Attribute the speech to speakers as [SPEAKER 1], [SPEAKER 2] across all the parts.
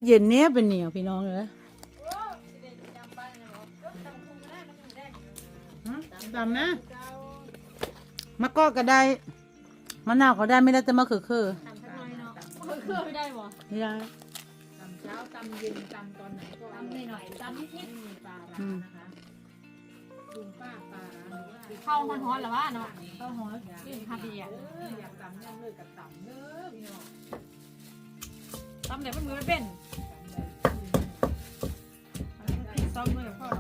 [SPEAKER 1] เย็นเนี้ยเป็นเหนียวพี่น้องเลยดำนะมะกอกก็ได้มะนาวก็ได้ไม่ได้แต่มะเขือ
[SPEAKER 2] เครื่องไม่ได้หรอ
[SPEAKER 1] ไม่ได้
[SPEAKER 2] ตำเช้าตำเย็นตำตอนไหนก็ตำหน่อยตำนิดๆมีปลาร้านะคะลุงป้าปลาร้าเข้าฮ้อนๆหรอวะเนาะเข้าฮ้อนยื่นคาเบียอยากตำยังเลยกับตำเด้อพี่น้องตำไหนมันมือไม่เป็นซ้อมเลยพ่อ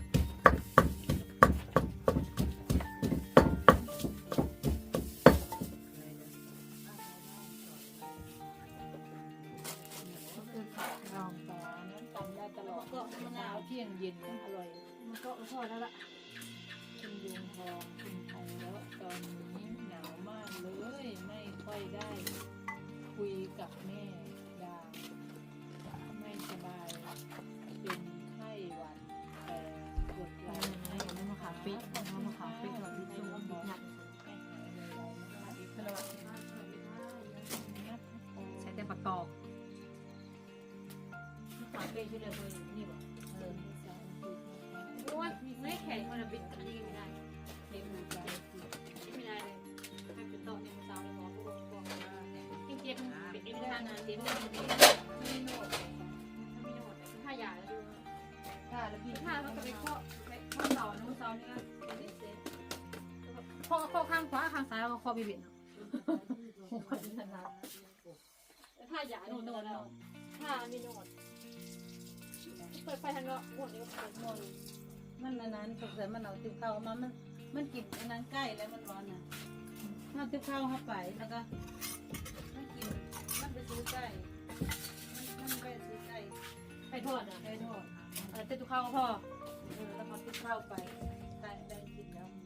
[SPEAKER 2] เที่ยงเย็นนะอร่อยมันก็พอแล้วละคุณยุงทองคุณทองแล้วตอนนี้หนาวมากเลยไม่ค่อยได้คุยกับแม่ดาไม่สบายเป็นไข้หวัดแต่ปวดหลังไม่มาขาปิดมาขาปิดหน่อยนิดนึงบิดหนักใช้แต่ประกอบขาปิดช่วยเลยนี่บอกโอ้ยไม่แข็งมันบิดกันนี่ไม่ได้เด็กมือใจไม่ได้เลยให้เป็นโต๊ะในมือเท้าเลยหมอผู้ปกครองจริงๆเป็นเอ็มท่านาเต็มเลยไม่โน้ตไม่โน้ตถ้าหยาแล้วดูถ้าแล้วพี่ถ้ามันก็ไปข้อเสาน้องเสาเนี่ยข้อข้างขวาข้างซ้ายแล้วก็ข้อบิดเนาะถ้าหยาโน้ตแล้วถ้าไม่โน้ตเปิดไฟทางเนาะหมดเลยก็เปิดหมด
[SPEAKER 1] มันอันนั้นสงสัยมันเอาติ๊บข้าวมามันกินอันนั้นใกล้แล้วมันร้อนน่ะเอาติ๊บข้าวเข้าไปแล้วก็มันกินมันไปซื้อไก่มันไปซื้อไก่
[SPEAKER 2] ไปทอดอ่ะ
[SPEAKER 1] ไปทอด
[SPEAKER 2] เต้นทุกข้าวก็พอ
[SPEAKER 1] แล้วเอาติ๊บข้าวไปไก่ได้กินแล้ว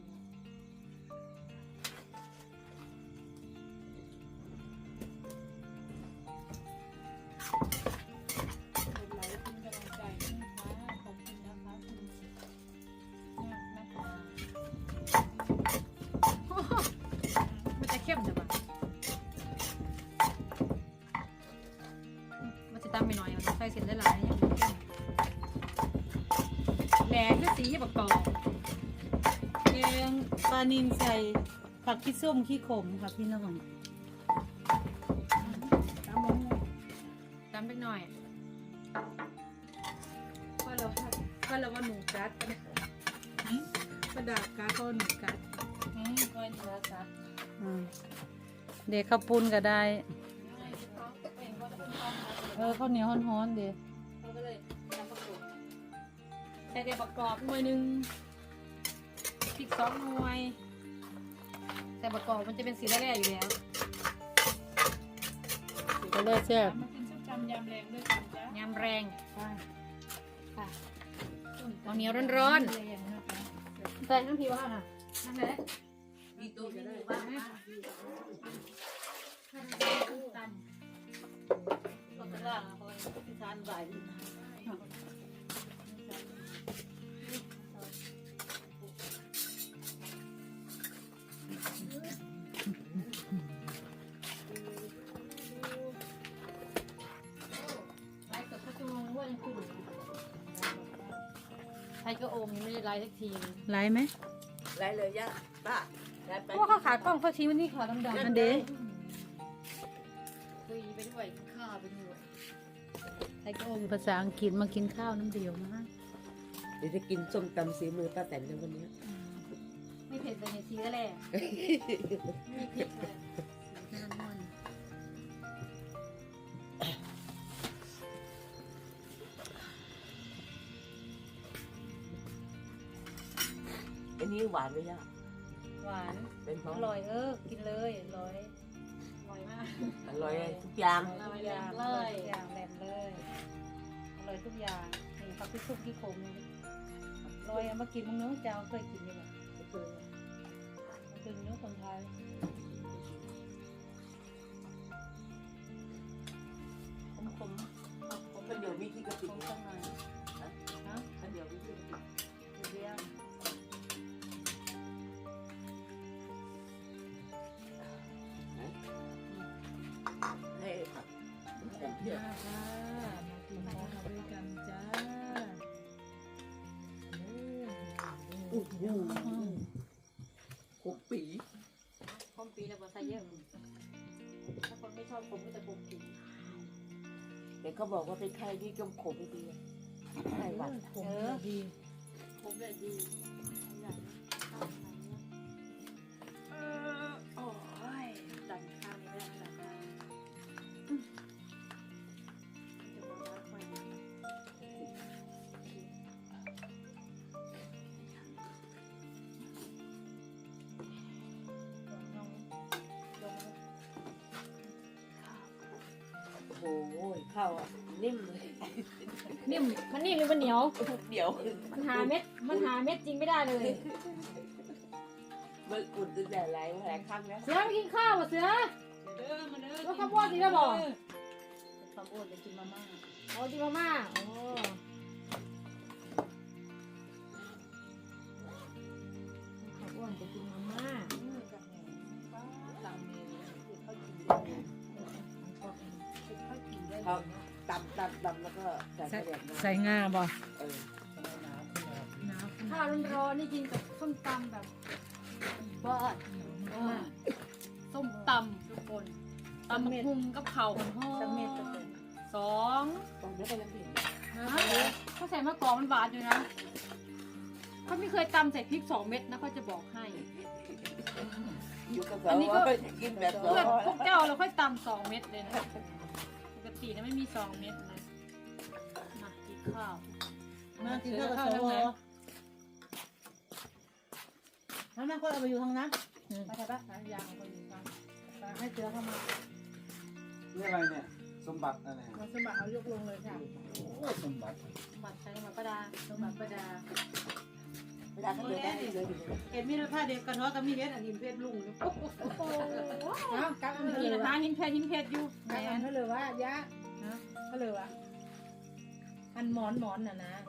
[SPEAKER 2] เข้มแต่ว่ามันจะตำไปหน่อยมันใส่เส้นได้หลายอย่างเข้มแหลกคือสีประกอบ
[SPEAKER 1] แกงปลานิลใส่ผักขี้ส้มขี้ขมค่ะพี่น้อง
[SPEAKER 2] ตำไปหน่อย
[SPEAKER 1] ก็เราว่าหนูกัดประดากัดก็หนูกัดก็หนูกัดเด็กข้าวปุ้นก็ได้ข้าวเหนียวฮ้อนๆเด็ก
[SPEAKER 2] ใส่เด็กประกอบหน่วยหนึ่งพริก2 หน่วยแต่ประกอบมันจะเป็นสีแร่ๆอยู่แล้ว
[SPEAKER 1] ก็เลยแซ่บ
[SPEAKER 2] ยำแรงด้วยกันจ้ะยำแรงค่ะเอาเหนียวร้อนๆใส่น้ำพริกว่าค่ะนั่นแหละมีตัวจะได้บ้างไหมตันก็จะล่างอ่ะคนที่ทานใบไทยก็โอมยังไม่ได้ไลฟ์สักที
[SPEAKER 1] ไลฟ์ไหม
[SPEAKER 3] ไลฟ์เลยย่าป้า
[SPEAKER 2] เพราะว่าเขาขากล้องเขาชี้วันนี้ขาดำๆ
[SPEAKER 1] อันเด้
[SPEAKER 2] คุยไปด้วยข้าวไปด้วย
[SPEAKER 1] ไทยก็โอมภาษาอังกฤษมากินข้าวน้ำเดียวนะ
[SPEAKER 3] เดี๋ยวจะกินส้มตำสีมือป้าแตนในวันนี้
[SPEAKER 2] ไม่เผ็ดเลยเนี่ยทีแรกไม่เผ็ดเลย
[SPEAKER 3] อันนี้หวานไหมย่า
[SPEAKER 1] หวาน
[SPEAKER 3] เป็นเพราะ
[SPEAKER 1] อร่อยกินเลยอร่อย
[SPEAKER 2] มาก
[SPEAKER 3] อร่อยทุกอย่าง
[SPEAKER 1] ทุกอย่างเลยอย่างแหลมเลยอร่อยทุกอย่างนี่ผักที่ซุปที่ขมอร่อยมากินมึงเนื้อเจ้าเคยกินยังไงเคยกินเนื้อคนไทยขม
[SPEAKER 3] มันเดี๋ยวมีที่กระปิ
[SPEAKER 1] ข้างใน
[SPEAKER 3] มันเดี๋ยวมีที่กระปิ
[SPEAKER 1] เรียง
[SPEAKER 3] ให้ผักเดี๋ยวขมปี
[SPEAKER 4] คมปีแล้วก็ใส่เยอะถ้าคนไม่ชอบผมก็จะคมปี
[SPEAKER 3] แต่เขาบอกว่าเป็นไข้ที่จมขมไม่ดีไข้หวัด
[SPEAKER 2] ผมดี
[SPEAKER 4] ผมเลยดีใหญ่ข้าวไหนเนี่ยโอ้ยดันข้างนี้ไม่ได้ดันข้างจะบอกว่าค่อยนะ
[SPEAKER 3] โอ้โหข้าวอ่ะนิ่มเลย
[SPEAKER 4] นิ่มมันนิ่มหรือมันเหนียว
[SPEAKER 3] เดี๋ยว
[SPEAKER 4] มันหาเม็ดจริงไม่ได้เลย
[SPEAKER 3] มันอุ่นตั้งแต่หลายครั้งแล้ว
[SPEAKER 4] เสือไปกินข้าวอ่ะเสือ
[SPEAKER 1] เด้อมาเด้อ
[SPEAKER 4] แล้วข้าวโพดสิแล้วบอก
[SPEAKER 1] ข้าวโพดจะกินมาม่า
[SPEAKER 4] โอ้จิมาม่าโอ้ข้าวอ้วนจะกินมาม่า
[SPEAKER 1] สั่งเมนูที่เขากินเขากินได้
[SPEAKER 3] เขาตำแล้วก็ใส่กระเดียบ
[SPEAKER 2] ใส่งาบ่
[SPEAKER 3] เออ
[SPEAKER 4] ข้าวร้อนๆนี่กินกับส้มตำแบบบ้านส้มตำทุกคนตำบักหุ่งกับเข่าวห่อ
[SPEAKER 1] สักเม็ดก็เป็น
[SPEAKER 4] สอง
[SPEAKER 3] ตรงนี้ก็ยังเห็น
[SPEAKER 4] เขาใส่มะกอกมันหวานอยู่นะเขาไม่เคยตำใส่พริก2 เม็ดนะเขาจะบอกให้
[SPEAKER 3] อยู่กับเขาว่าจะกินแบบ
[SPEAKER 4] เพื่อนพวกเจ้าเราค่อยตำ2 เม็ดเลยนะปกตินะไม่มี2 เม็ดนะมากินข้าว
[SPEAKER 1] มากินข้าวกับสวแล้วนั่งก็เอาไปอยู่ทางนั้นไปใช่ปะยางไปอยู่ทางให้เสือเข้ามา
[SPEAKER 5] นี่อะไรเนี่ย สมบัติอะไร
[SPEAKER 1] มาสมัครเอายกลงเลยค่ะ
[SPEAKER 5] โอ้สมบัติ
[SPEAKER 4] หมัดใช้หมัดประดา
[SPEAKER 1] สมัครประดา
[SPEAKER 3] เวลาเขาเดินได้เลย
[SPEAKER 1] เห็นมีผ้าเด็กกระท้อกับมีเฮ็ดอันหินเพชรลุงโอ้โหเอากลับอัน
[SPEAKER 4] เมื่อ
[SPEAKER 1] เล
[SPEAKER 4] กี้
[SPEAKER 1] ย
[SPEAKER 4] นะ
[SPEAKER 1] วะ
[SPEAKER 4] คะหินเพชรอยู่
[SPEAKER 1] กลับอันเลยว่ายะนะก็เลยวะอันหมอนน่ะนะ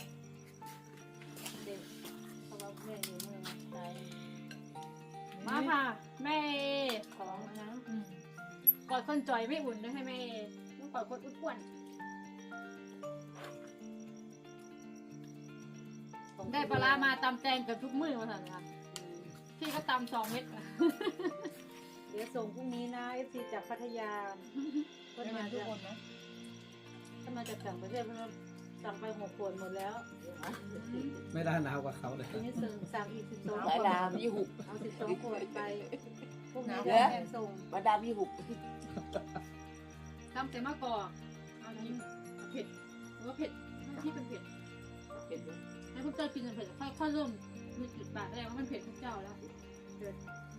[SPEAKER 1] เด็กเขาบอกแม่อยู่เมืองไทย
[SPEAKER 4] มาค่ะแม่ของนะกอดคนจ่อยไม่อุ่นด้วยให้แม่ต้องกอดคนอ้วนได้ปลาร้ามาตำแตงเกือบทุกมื้อมาสั่นค่ะพี่ก็ตำ2 เม็ด
[SPEAKER 1] เดี๋ยวส่งพรุ่งนี้นะFC จากพัทยาก็มาทุกคนนะถ้ามาจากต่างประเทศมันสั่งไป6 ขวดหมดแล้ว
[SPEAKER 5] ไม่ได้หนาวกว่าเขาเลย
[SPEAKER 1] ทีนี้สั่งอีก12 ข
[SPEAKER 3] สายว
[SPEAKER 1] ด
[SPEAKER 3] ดามยี่หุบ
[SPEAKER 1] เอา12 ขวดไปพวกนี้แทนส่ง
[SPEAKER 3] มาดามยี่หุบ
[SPEAKER 4] ตำแต่มะกอกอันนี้เผ็ดหรือว่าเผ็ดที่เป็นเผ็ด
[SPEAKER 3] เห็นไหม
[SPEAKER 4] ให้พวกเจ้ากินกันเผ็ดค่อยเริ่มมีจุดปากแรกว่ามันเผ็ดพวกเจ้าแล้วเผ็ด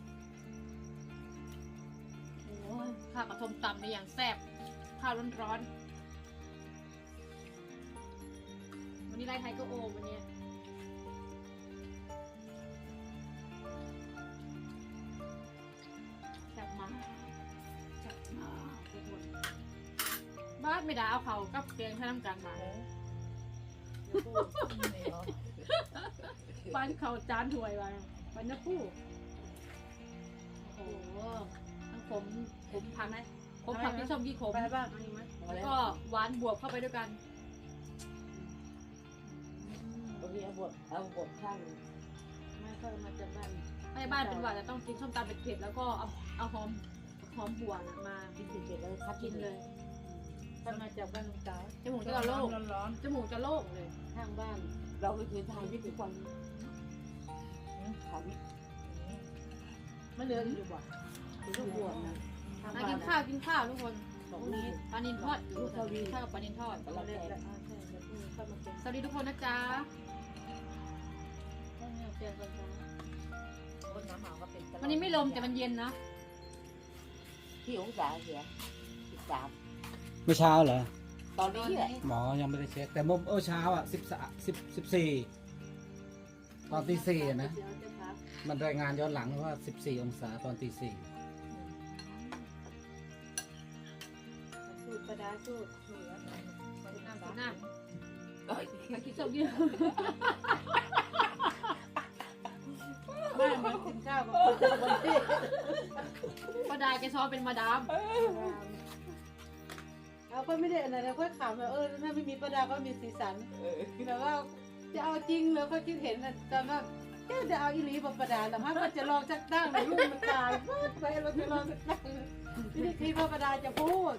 [SPEAKER 4] โอ้ยข้าวกระทมตำในอย่างแซ่บข้าวร้อนๆวันนี้ไล่ไทยก็โอมวันนี้แซ่บมากแซ่บมากทุกคนบ้านไม่ได้เอาเขากับแกงให้น้ำกันมาบ้านเขาจานถวยไปบ้านนักคู่โอ้โหทั้งผมพังไหมผมผักที่ชมกี่ขม
[SPEAKER 1] ไปบ้างอะไรไหม
[SPEAKER 4] แล้วก็หวานบวกเข้าไปด้วยกัน
[SPEAKER 3] ตรงนี้เอาบทข้าง
[SPEAKER 1] ไม่ค่อยมาจากบ้าน
[SPEAKER 4] ให้บ้านเป็นหวานจะต้องกินส้มตำเผ็ดๆแล้วก็เอาหอมบัวน่ะมา
[SPEAKER 3] กินเสร็จแล้วคัด
[SPEAKER 4] กินเลย
[SPEAKER 1] ถ้ามาจากบ้านลุงเต๋า
[SPEAKER 4] จมูกจะโล่ง
[SPEAKER 1] ร้อน
[SPEAKER 4] จมูกจะโล่งเลย
[SPEAKER 1] ๆทางบ้าน
[SPEAKER 3] เราก็คือทานที่ทุกวันทาน
[SPEAKER 1] ไม่เหลืออยู่บ่ถึงทุกบวชนะทาง
[SPEAKER 4] มา
[SPEAKER 1] บ้าน
[SPEAKER 4] กินข้าวทุกคน
[SPEAKER 3] ตรงนี้
[SPEAKER 4] ปลานิลทอดอยู่ข้าวกับปลานิลทอด
[SPEAKER 1] เราเล่นแล้วใช่เดี๋ยวพรุ่งนี้เข้ามาเก็บ
[SPEAKER 4] สวัสดีทุกคนนะจ๊ะ
[SPEAKER 1] ต้องเนี่ยเปลี่ยนกันจ้ะ
[SPEAKER 3] คนน้ำหมาก็เป็น
[SPEAKER 4] วันนี้ไม่ลมแต่มันเย็นนะ
[SPEAKER 3] ที่องศาเสีย13
[SPEAKER 5] เมื่อเช้าเหรอ
[SPEAKER 3] ตอนนี้แหละ
[SPEAKER 5] หมอยังไม่ได้เช็ค แต่เมื่อเช้าอ่ะ14ตอนตีสี่นะ
[SPEAKER 1] เดี๋ยวจะพัก
[SPEAKER 5] มันรายงานย้อนหลังว่า14 องศาตอนตีสี่
[SPEAKER 1] สูตรประดาสูตรเหลือ
[SPEAKER 4] น้ำน้
[SPEAKER 3] เอ้ย
[SPEAKER 4] ำมากินส้มยืด
[SPEAKER 1] บ้านมันกินข้าวกับคนจากคนที่
[SPEAKER 4] ป้าดาแกชอบเป็นมาดาม
[SPEAKER 1] เอาก็ไม่ได้อะไรนะค่อยขำแบบถ้าไม่มีประดาก็มีสีสัน
[SPEAKER 3] เออ
[SPEAKER 1] แบบว่าจะเอาจริงเลยเขาคิดเห็นนะแต่ว่าจะเอาอีหลีบประดาแต่ถ้าก็จะลองจักตั้งในลูกมันตายไปเราจะลองจักตั้งไม่ได้คิดว่าประดาจะพูด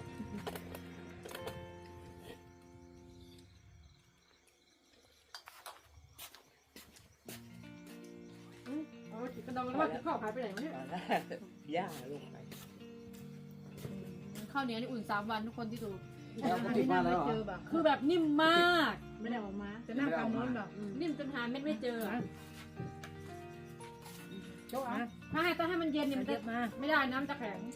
[SPEAKER 4] เอากระดองแล้วว่าจะเข้าหายไปไหนวะเนี่ย
[SPEAKER 3] ย่าลงไป
[SPEAKER 4] ข้าวเหนียวนี่อุ่น3 วันทุกคนที่ดู
[SPEAKER 5] เราก็ติดมาแล้วเหรอ
[SPEAKER 1] เจอแบบ
[SPEAKER 4] คือแบบนิ่มมาก
[SPEAKER 1] ไม่ได้ออกมา
[SPEAKER 2] จะนั่งทำนู้นแบบ
[SPEAKER 4] นิ่มจนหาเม็ดไม่เจอ
[SPEAKER 1] โจ๊ะอ่ะ
[SPEAKER 4] ถ้าให้ต้องให้มันเย็นเนี่ยมัน
[SPEAKER 2] เย
[SPEAKER 4] จะ
[SPEAKER 2] อะมา
[SPEAKER 4] ไม่ได้น้ำจะแข็ง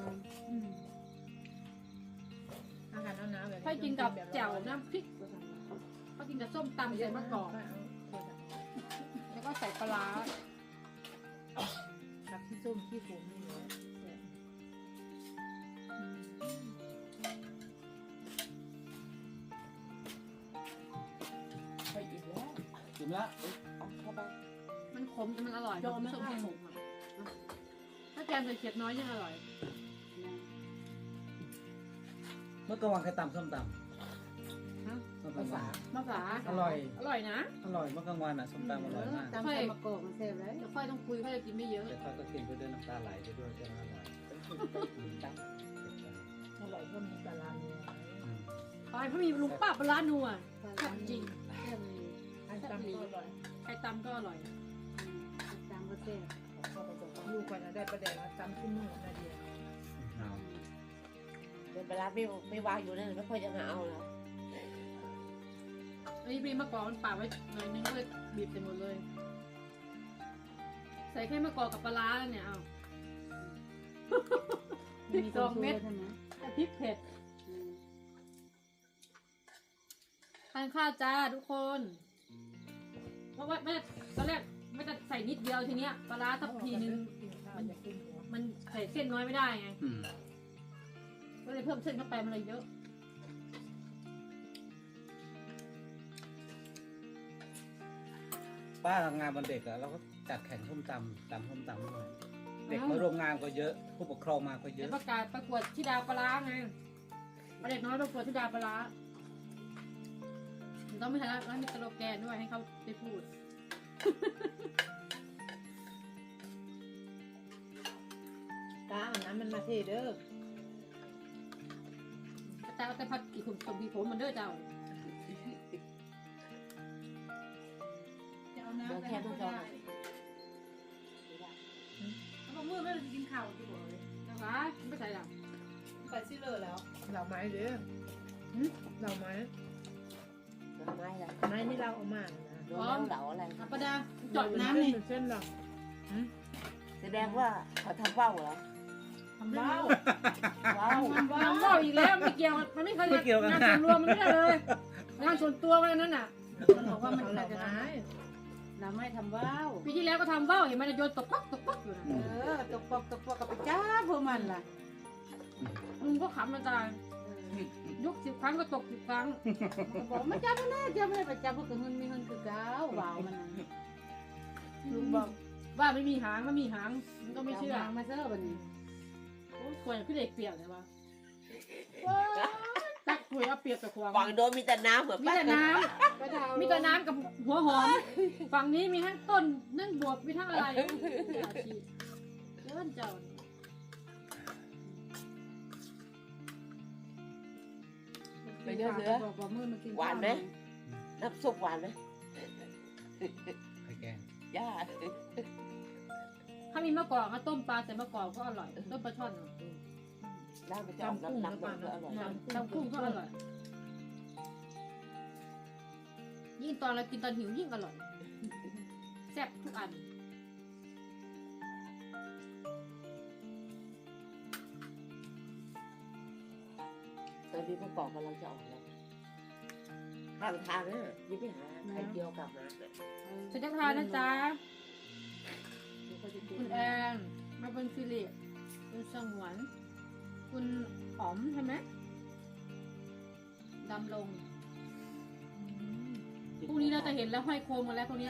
[SPEAKER 2] อาหารน้ำแบบ
[SPEAKER 4] ถ้ากินกับแจ่วน้ำพริกก็กินกับส้มตำใส่มะกอกแล้วก็ใส่ปลาร้า
[SPEAKER 2] ผักที่ส้มที่ผมนี่เลย
[SPEAKER 3] ไปอีกแล้ว
[SPEAKER 5] กินแล้ว
[SPEAKER 3] เอาเข้าไป
[SPEAKER 4] มันขมแต่มันอร่อยส้มที่ขมอ่ะถ้าแกงใส่เขียดน้อยยังอร่อย
[SPEAKER 5] เมื่อกลางวันใครตำส้มตำ
[SPEAKER 4] ฮะ
[SPEAKER 5] ส้มตำหวาน
[SPEAKER 4] มะฝา
[SPEAKER 5] อร่อย
[SPEAKER 4] อร่อยนะ
[SPEAKER 5] อร่อยเมื่อกลางวันอ่ะส้มตำอร่อยมาก
[SPEAKER 1] ตำใส่มะกอกมันแซ่บเลย
[SPEAKER 4] เดี๋ยวค่อยต้องคุยค่อยจะกินไม่เยอะ
[SPEAKER 5] แต่ค่อยก็กินไปด้วยน้ำตาไหลไปด้วยจะอร่อย
[SPEAKER 3] ตัง
[SPEAKER 2] อร่อยก็มีปลาร้าเนี่ย
[SPEAKER 5] อืม
[SPEAKER 4] ไปเพราะมีลุงป้าปลาร้านัวแซ่บจริง
[SPEAKER 1] แซ่บเลย
[SPEAKER 2] อันตำก็อร่อย
[SPEAKER 4] ใครตำก็อร่อย
[SPEAKER 1] ตำก็แซ่บ
[SPEAKER 2] ลูกก่อนนะได้ประเดี๋ยวตำขึ้นมือนาเดียว
[SPEAKER 5] เอา
[SPEAKER 3] เป็นปลาร้าไม่วางอยู่นั่นไม่ค่อยจะมาเอาแล้ว
[SPEAKER 4] อันนี้บีบมะกอกมันปาดไว้หน่อยนึงก็เลยบีบเต็มหมดเลย ใส่แค่มะกอกกับปลาร้าแล้วเนี่ยเอา
[SPEAKER 1] มี2 เม็ดใช่ไหม
[SPEAKER 4] แต่พริกเผ็ดทานข้าวจ้าทุกคน เพราะว่าไม่ได้ตอนแรกไม่ได้ใส่นิดเดียวทีเนี้ยปลาร้าทัพพีนึง
[SPEAKER 2] กินข้าวอยากกินหัว
[SPEAKER 4] มันใส่เส้นน้อยไม่ได้ไง
[SPEAKER 5] อืม
[SPEAKER 4] ก็เลยเพิ่มเส้นเข้าไปมันเลยเยอะ
[SPEAKER 5] ป้าทำงานวันเด็กอะเราก็จัดแข่งส้มตำส้มตำด้วยเด็กมาร่วมงานก็เยอะ ผู้ปกครองมาก็เย
[SPEAKER 4] เดี๋ยว
[SPEAKER 5] อะ
[SPEAKER 4] ประกาศประกวดที่ดาวปลาร้าไงประเด็กน้อยประกวดที่ดาวปลาร้าต้องไม่ทันแล้วมีสโลแกนด้วยให้เขาไปพูด
[SPEAKER 2] ตาเอาน้ำมันมาเทเด้อ
[SPEAKER 4] แต่เอาแต่พัดกี่ขุมสมบีผมมันเด้อเจ้า
[SPEAKER 1] จะเอาน้ำ
[SPEAKER 3] เดี๋ยว
[SPEAKER 1] ไป
[SPEAKER 3] แค่
[SPEAKER 1] ให้
[SPEAKER 3] ต้อง
[SPEAKER 1] เขา
[SPEAKER 3] จอง
[SPEAKER 1] ได้เขาบอกมือไม่ได้กินข้าวที่บอกเลย
[SPEAKER 4] นะคะไม่ใส่หรอก
[SPEAKER 1] ไปซิเลอร์แล้ว
[SPEAKER 2] เหล่าไม้เด้อเหล่าไม้
[SPEAKER 3] ดอกไม้อะไร
[SPEAKER 2] ไม้นี่เราเอามานะ
[SPEAKER 3] โดนแล้วเหลาอะไร
[SPEAKER 4] อ่ะประดา
[SPEAKER 1] จอดน้ำนี่
[SPEAKER 2] เส้นหรอ
[SPEAKER 3] แสดงว่าเขาทำว่าวเหรอ
[SPEAKER 4] ทำว้าว
[SPEAKER 3] ว้าว
[SPEAKER 4] ทำว้าวอีกแล้วไม่เกี่ยวมันไม่เคยงานส่วนรวมมันไม่ได้เลยงานส่วนตัวมันนั้นน่ะ
[SPEAKER 1] มันบอกว่ามัน
[SPEAKER 2] เห
[SPEAKER 1] ใคร
[SPEAKER 2] ล่า
[SPEAKER 1] จะท
[SPEAKER 2] ไม้
[SPEAKER 1] ำเราไม่ทำว้าว
[SPEAKER 4] ปีที่แล้วก็ทำว่าวเห็นมันโยนตกปักอยู่นะ
[SPEAKER 1] ตกปอกกับไปจ้าพวกมันล่ะ
[SPEAKER 4] ลุงก็ขำมันตายยก10 ครั้งก็ตก10 ครั้ง
[SPEAKER 1] มันบอกไม่จ้าไม่ได้จ้าไม่ได้ไปจ้าเพราะเงินมีเงินคือเก้าว้าวมันน่ะ
[SPEAKER 4] ลุงบอกว่าไม่มีหางมันมีหางมันก็ไม่เชื่อ
[SPEAKER 1] ามาเซอร์วันนี้
[SPEAKER 4] โอ้ยควรพี่เด็กเปียกเลยวะตักคุยเอาเปียกกับควง
[SPEAKER 3] ฝั่งโดนมีแต่น้ำเหมือน
[SPEAKER 4] มีแต่น้ำมีแต่น้ำกับหัวหอม ฝั่งนี้มีทั้งต้นนั่งบวบมีทั้งอะไรอาชีพเลื่อนเจ้านี่
[SPEAKER 3] ไปเยอะเสือ
[SPEAKER 1] บอกว่ามือมากิน
[SPEAKER 3] หวานไหม น้ำซุปหวานไหม
[SPEAKER 5] ไข่แกง
[SPEAKER 3] ย่า
[SPEAKER 4] ถ้ามีมะกอกก็ต้มปลาใส่มะกอกก็อร่อยต้มปลาช่อน
[SPEAKER 3] น้ำมันจะออกน้ำก็อร่อย
[SPEAKER 4] ทำกุ้งก็อร่อยยิ่งตอนเรากินตอนหิวยิ่งอร่อยแซ่บทุกอัน
[SPEAKER 3] ตอนนี้มะกอกกำลังจะออกแล้วข้างทางนะยิ่งไปหาไข่เจียวกลับมา
[SPEAKER 4] ฉันจะทานนะจ๊ะคุณแอนมาเป็นฟิลิปคุณสงวนคุณหอมใช่ไหมดำลงพรุ่งนี้เราจะเห็นแล้วห้อยโคมกันแล้วพวกเนี้ย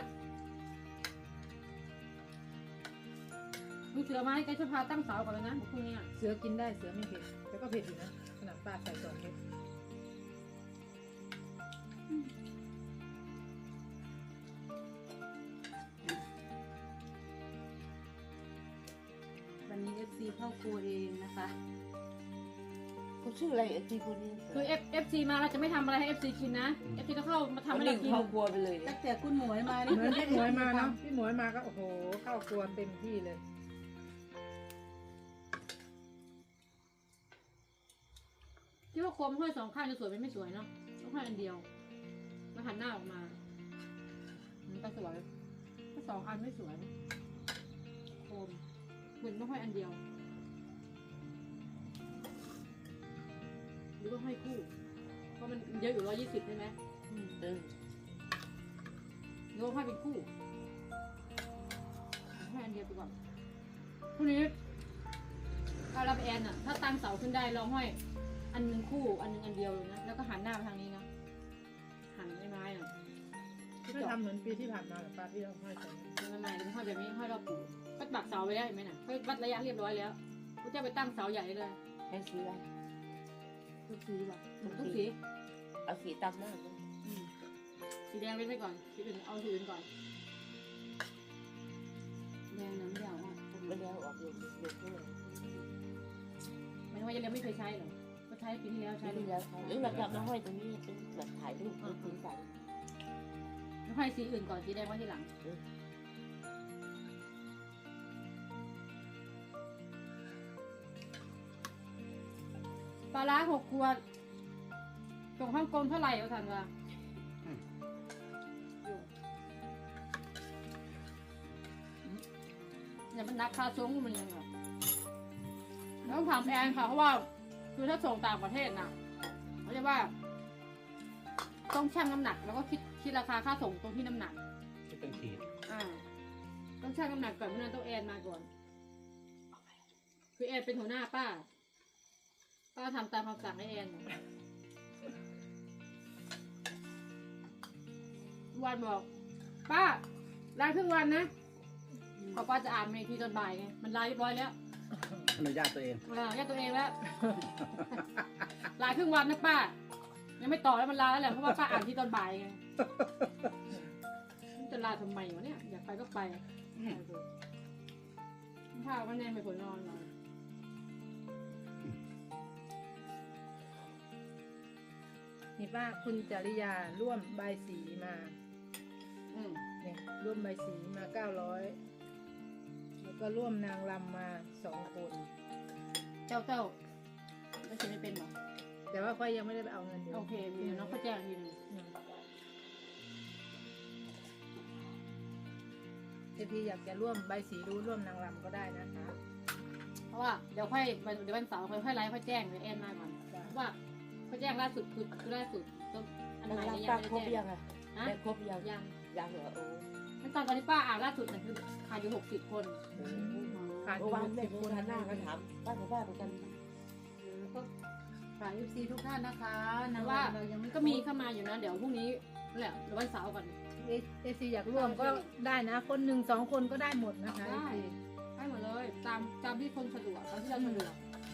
[SPEAKER 4] ลูกเสือมาให้แกจะพาตั้งเสาก่อนเลยนะพรุ่งนี้
[SPEAKER 2] เสือกินได้เสือไม่เผ็ดแต่ก็เผ็ดอยู่นะขนาดป้าใส่2 เม็ด
[SPEAKER 1] เข้าครัวเองนะคะ
[SPEAKER 3] เขาชื่ออะไรไอ้ที่คนนี้
[SPEAKER 4] คือ FC มาเราจะไม่ทำอะไรให้ FC กินนะ FC ต้องเข้ามาทำ
[SPEAKER 3] ทำ
[SPEAKER 4] ให้
[SPEAKER 3] ให้
[SPEAKER 4] เรากิน
[SPEAKER 3] เข้าครัวไปเลย
[SPEAKER 1] ตั้งแต่คุณหมวยมา
[SPEAKER 2] เหมือนพี่หมวยมาเนาะพี่หมวยมาก็โอ้โหเข้าครัวเต็มที่เลย
[SPEAKER 4] ที่ว่าโคมห้อยสองข้างจะสวยเป็นไม่สวยเนาะต้องห้อยอันเดียวมาหันหน้าออกมามันก็สวยถ้าสองอันไม่สวยโคมเหมือนต้องห้อยอันเดียวหรือว่าห้อยคู่เพราะมันเยอะอยู่120ใช่ไหม หรือว่าห้อยเป็นคู่ห้อยอันเดียวไปก่อนพรุ่งนี้ถ้ารับแอนอะถ้าตั้งเสาขึ้นได้ลองห้อยอันหนึ่งคู่อันหนึ่งอันเดียวเลยนะแล้วก็หันหน้าไปทางนี้นะหันไม้ๆอ่ะ
[SPEAKER 2] ไม่ทำเหมือนปีที่ผ่านมาหรอป้าที่เราห้อยกัน
[SPEAKER 4] ไม่ไม่เป็นห้อยแบบนี้ห้อยรอบปูก็ปักเสาไว้แล้วเห็นไหมน่ะก็วัดระยะเรียบร้อยแล้วกูจะไปตั้งเสาใหญ่เลย
[SPEAKER 3] ให้สีอะไร
[SPEAKER 4] ทุกสีป่ะทุกสี
[SPEAKER 3] เอาสีตามหน้าเลย
[SPEAKER 4] อืมสีแดงเว้นไว้ก่อนสีอื่นเอาสีอื่นก่อน
[SPEAKER 1] แดงน้ำยาวอ่ะ
[SPEAKER 3] ไม่ได้เอาออกอยู่ด้วย
[SPEAKER 4] ไม่ว่าจะเรียนไม่เคยใช้หรอก็ใช้ปีที่แล้วใช้
[SPEAKER 3] ใช่
[SPEAKER 4] เล
[SPEAKER 3] แล้
[SPEAKER 4] ยว
[SPEAKER 3] หรือเราจะมาห้อยตรงนี้เป็นแบบถ่ายรูปคุณใส่
[SPEAKER 4] ห้อยสีอื่นก่อนสีแดงไว้ทีหลังปลาร้า6 ขวดตรงฮ่องกงเท่าไหร่เอาทันวะเนี่ยมันนักค่าส่งมันยังไงแล้วถามแอนค่ะเพราะว่าคือถ้าส่งต่างประเทศน่ะเขาจะว่าต้องชั่งน้ำหนัก แล้วก็คิดราคาค่าส่งตรงที่น้ำหนัก
[SPEAKER 5] ที่เป็นขีด
[SPEAKER 4] ต้องชั่งน้ำหนักก่อนเพราะนั้นต้องแอนมาก่อนคือแอนเป็นหัวหน้าป้าทำตามคำสั่งให้แอนวันบอกป้าลาครึ่งวันนะพอป้าจะอ่านเมทีตอนบ่ายไงมันลาเรียบร้อยแล้ว
[SPEAKER 5] อนุญาตตัวเอง
[SPEAKER 4] แยกตัวเองแล้วลาครึ่งวันนะป้ายังไม่ต่อแล้วมันลาแล้วแหละเพราะว่าป้าอ่านที่ตอนบ่ายไงมันจะลาทำไมวะเนี่ยอยากไปก็ไปข้าวมันแน่ไม่ผลนอนหรอ
[SPEAKER 2] นี่ป้าคุณจริยาร่วมใบสีมาเนี่ยร่วมใบสีมา900แล้วก็ร่วมนางรำมา2 คน
[SPEAKER 4] เจ้าไม่เขียนไม่เป็นหรอ
[SPEAKER 2] แต่ว่าค่อยยังไม่ได้ไปเอาเงินอยู่
[SPEAKER 4] โอเคมีน้องเขาแจ้งทีนึง
[SPEAKER 2] พี่อยากจะร่วมใบสีรู้ร่วมนางรำก็ได้นะคะ
[SPEAKER 4] เพราะว่าเดี๋ยววันเสาร์ค่อยไลฟ์ค่อยแจ้งเดี๋ยวแอนมาก่อนเพราะว่าเขาแจ้งล่าสุดคือล่าสุดอัน
[SPEAKER 3] นาง
[SPEAKER 4] ใหม่
[SPEAKER 3] รำ
[SPEAKER 4] ยั
[SPEAKER 3] ป้าง คร
[SPEAKER 4] ไม่
[SPEAKER 3] บ
[SPEAKER 4] ได้แจ้ง
[SPEAKER 3] ยังอ่ะ
[SPEAKER 4] ฮะ
[SPEAKER 3] ได้ครบยัง
[SPEAKER 4] ยัง
[SPEAKER 3] เหรอโอ้
[SPEAKER 4] ขั้นตอนที่ป้าอ่านล่าสุดน่ะคือขาดอยู่60 คน
[SPEAKER 2] ขาดอ
[SPEAKER 3] เมื่อยู่ วานแม่
[SPEAKER 2] 60
[SPEAKER 3] ดู
[SPEAKER 2] คน
[SPEAKER 3] ทานหน้าก็ถามป้ากับป้าเหมือนกัน
[SPEAKER 1] ก็ฝาก FC ทุกท่านนะคะ
[SPEAKER 4] แต่
[SPEAKER 1] นะ
[SPEAKER 4] ว่า
[SPEAKER 1] เรายังไม่
[SPEAKER 4] ก็มีเข้ามาอยู่นะเดี๋ยวพรุ่งนี้นั่นแหละเดี๋ยววันเสาร์ก่อน
[SPEAKER 2] ซีอยากร่วมก็ได้นะ คน1 2 คนก็ได้หมดนะคะ
[SPEAKER 4] ได้ ให้หมดเลยตามที่คนสะดวกตามที่เราสะดวก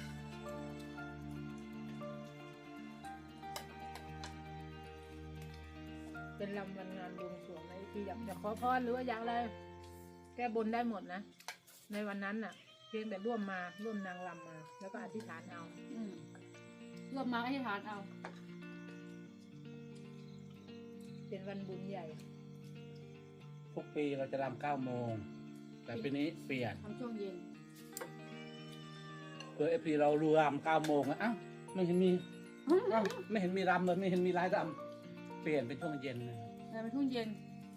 [SPEAKER 2] เป็นลำวันงานบวงสรวงนะซีอยากจะขอพรหรือว่าอยากอะไรแก้บนได้หมดนะในวันนั้นน่ะ เพียงแต่ร่วมนางรำมาแล้วก็อธิษฐานเอา
[SPEAKER 4] รวมมาให้ทานเอา
[SPEAKER 2] เป็นวันบุญใหญ่
[SPEAKER 5] ทุกปีเราจะรำ9 โมง แต่ปีนี้เปลี่ยน
[SPEAKER 4] ทำช่วงเย็น
[SPEAKER 5] เพื่อFPเรารำ9 โมงอ่ะอ้าวไม่เห็นมีอ้าวไม่เห็นมีรำเลยไม่เห็นมีรายรำเปลี่ยนเป็นช่วงเย็นนะ
[SPEAKER 4] แต่เป็นช่วงเย็น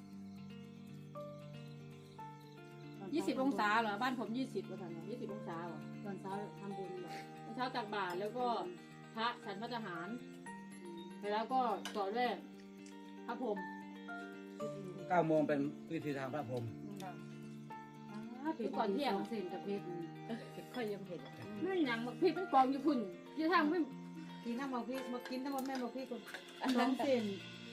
[SPEAKER 4] 20 องศาเหรอบ้านผม20ว่าทันเหรอ20 องศาเหรอ
[SPEAKER 1] ตอนเช้าทำบุญเหรอ
[SPEAKER 4] ตอนเช้าตักบาตรแล้วก็พระฉันพระทหารแล้วก็ต่อด้วยพระพรหม
[SPEAKER 5] 9 โมงเป็นพิธีทางพระพรหม
[SPEAKER 4] คือก่อนเที่ยง
[SPEAKER 1] เส้นกับเพชร
[SPEAKER 3] ค่อยยังเห็น
[SPEAKER 4] ไม่หนังพี่เป็นกองอยู่คุณยี่ทางไม่
[SPEAKER 1] กินน้ำมันพี่มากินน้ำมันแม่มาพี่คนน้องเส้น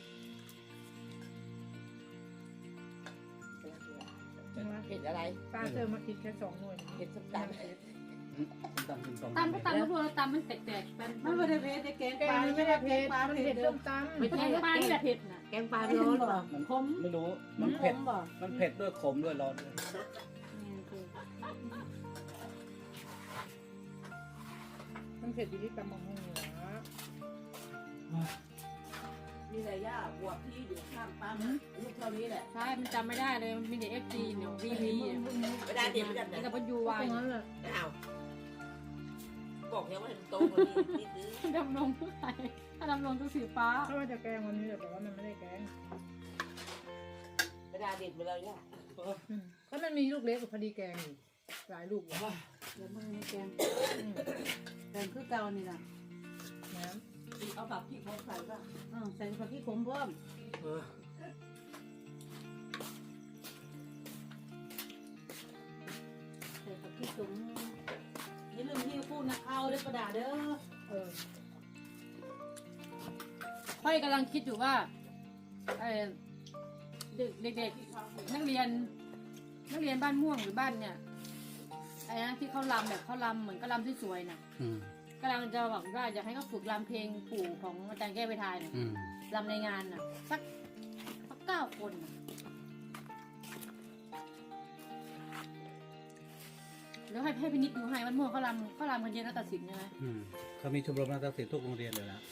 [SPEAKER 3] เห็นอะไร
[SPEAKER 2] ป้าเจอมาคิดแค่2 หน่วย
[SPEAKER 3] เห็นส้มตำ
[SPEAKER 5] ตำเป็นสอง
[SPEAKER 4] ตำก็ตำก็พวกเราตำมันแตกๆมัน
[SPEAKER 1] มันไม่ได้เพชรแกง
[SPEAKER 2] แก
[SPEAKER 1] ปลาง
[SPEAKER 2] ไม่ได้เผ็ด
[SPEAKER 1] ปลา
[SPEAKER 2] มัน
[SPEAKER 1] เผ็
[SPEAKER 2] เผ็
[SPEAKER 1] ด
[SPEAKER 2] ด
[SPEAKER 1] เด้
[SPEAKER 2] ส้
[SPEAKER 1] อ
[SPEAKER 2] มตำ
[SPEAKER 4] ไม่ใช่ปลาที่แบบเผ็ดน่ะ
[SPEAKER 1] แกงปลาร้อนเหรอ
[SPEAKER 5] มัน
[SPEAKER 4] ขม
[SPEAKER 5] ไม่รู้มันเผ็ด
[SPEAKER 1] บ่
[SPEAKER 5] มันเผ็ดด้วยขมด้วยร้อนด้วย
[SPEAKER 2] มันเผ็ดอยู่ที่ตำบักหุ่งอยู่นะ
[SPEAKER 3] มีอะไรย่าบวกที่อยู่ข้างปั๊มลูกเท่านี้แหละ
[SPEAKER 4] ใช่มันจำไม่ได้เลยมันมีแต่ FG เนี่ย VV
[SPEAKER 3] เวลาเด็กมันจะไหน
[SPEAKER 4] แล้วก็ยู
[SPEAKER 2] ต
[SPEAKER 4] วาย
[SPEAKER 2] รงนั้นแหละ
[SPEAKER 3] อ้าวบอกแล้วว่ามันโตกว่านี้นิดนึง
[SPEAKER 4] ดำรงผู้ใดถ้าดำรงตัวสีฟ้า
[SPEAKER 2] ถ้าว่าจะแกงวันนี้แต่ว่ามันไม่ได้แกง
[SPEAKER 3] เวลาเด็กเวลาย่า
[SPEAKER 2] ก็มันมีลูกเล็กกับพอดีแกงอยู่หลายลูกอยู่
[SPEAKER 1] เดี๋ยวมึงแกงแกงคือเก่านี่ล่ะ
[SPEAKER 2] น้
[SPEAKER 3] เอาแบบพี่เขาใส่ป่ะ
[SPEAKER 1] ใส่ผักขี้ขมเพิ่มใส่ผักขี้ขมอย่าลืมที่พูดนะเอาเด้อประดาเด้อ
[SPEAKER 4] พ่อยกำลังคิดอยู่ว่าเด็กๆนักเรียนบ้านม่วงหรือบ้านเนี่ยไอ้นะที่เขาลำแบบเขาลำเหมือนก็ลำสวยๆน่ะ
[SPEAKER 5] อืม
[SPEAKER 4] กำลังจะบอกว่าอยากให้เขาฝึกลำเพลงปู่ของอาจารย์แก้วไปทายน่ะ
[SPEAKER 5] อืม
[SPEAKER 4] ลำในงานน่ะสัก9 คนน่ะแล้วให้พี่นิดดูให้มันม่วงเขาลำกันเย็นแล้วตัดสินใช่ไหม
[SPEAKER 5] อืมเขามีชมรมนาฏศิลป์ทุกโรงเรียนเลยนะ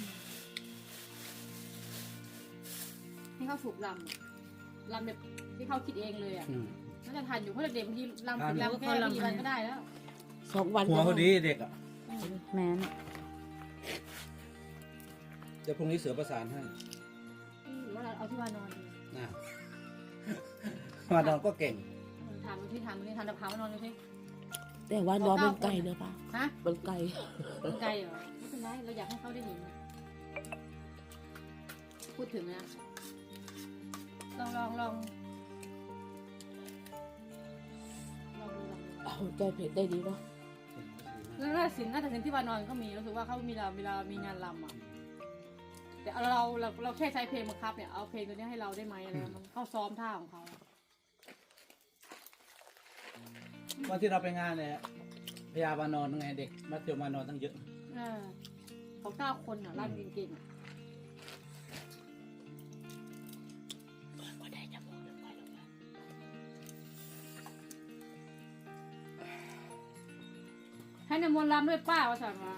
[SPEAKER 4] ให้เขาฝึกลำแบบที่เขาคิดเองเลยอ่ะ
[SPEAKER 5] อืม
[SPEAKER 4] น่าจะทันอยู่เพราะเด็กๆบางทีลำฝึกลำแค่ไม่กี่วันก็ได้แล้ว
[SPEAKER 3] 2 วัน
[SPEAKER 5] หัวเขาดีเด็กอ่ะ
[SPEAKER 1] แม่น
[SPEAKER 5] เดี๋ยวพรุ่งนี้เสือประสานให้
[SPEAKER 4] หรือว่าเราเอาที่วานอนดี
[SPEAKER 5] นะมานอนก็เก่ง
[SPEAKER 4] ถามดูที่ทำตะพามานอนดูสิ
[SPEAKER 3] แต่ว่าน้องมันไกลนะป้า
[SPEAKER 4] ฮะ
[SPEAKER 3] มันไกล
[SPEAKER 4] มันไกลเหรอไม่เป็นไรเราอยากให้เขาได้เห็นนะพูดถึงนะลองดู
[SPEAKER 3] เอาใจเผ็ดได้ดีเนาะ
[SPEAKER 4] แล้วน่าจะสินที่วานอนก็มีรู้สึกว่าเขามีเวลามีงานรำอ่ะแต่เราแค่ใช้เพลงบังคับเนี่ยเอาเพลงตัวนี้ให้เราได้ไหมอะไรมันเข้าซ้อมท่าของเขา
[SPEAKER 5] วันที่เราไปงานเนี่ยพยาบาลนอนไงเด็กมัธยมมานอนตั้งเยอะ
[SPEAKER 4] เขา9 คนอ่ะร่างเก่งๆอ่ะให้นำมนต์รำด้วยป้าว่าสั่งมา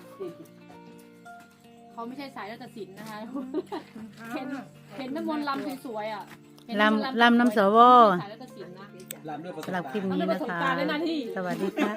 [SPEAKER 4] เขาไม่ใช่สายนาฏศิลป์นะคะเห็นน้ำมนต์รำสวยๆอ่ะสายนาฏศิลป์นะ
[SPEAKER 5] ลำด้วยประสบ
[SPEAKER 1] สำหรับคลิป
[SPEAKER 5] การณ์
[SPEAKER 1] นี้นะคะ สวัสดีค่ะ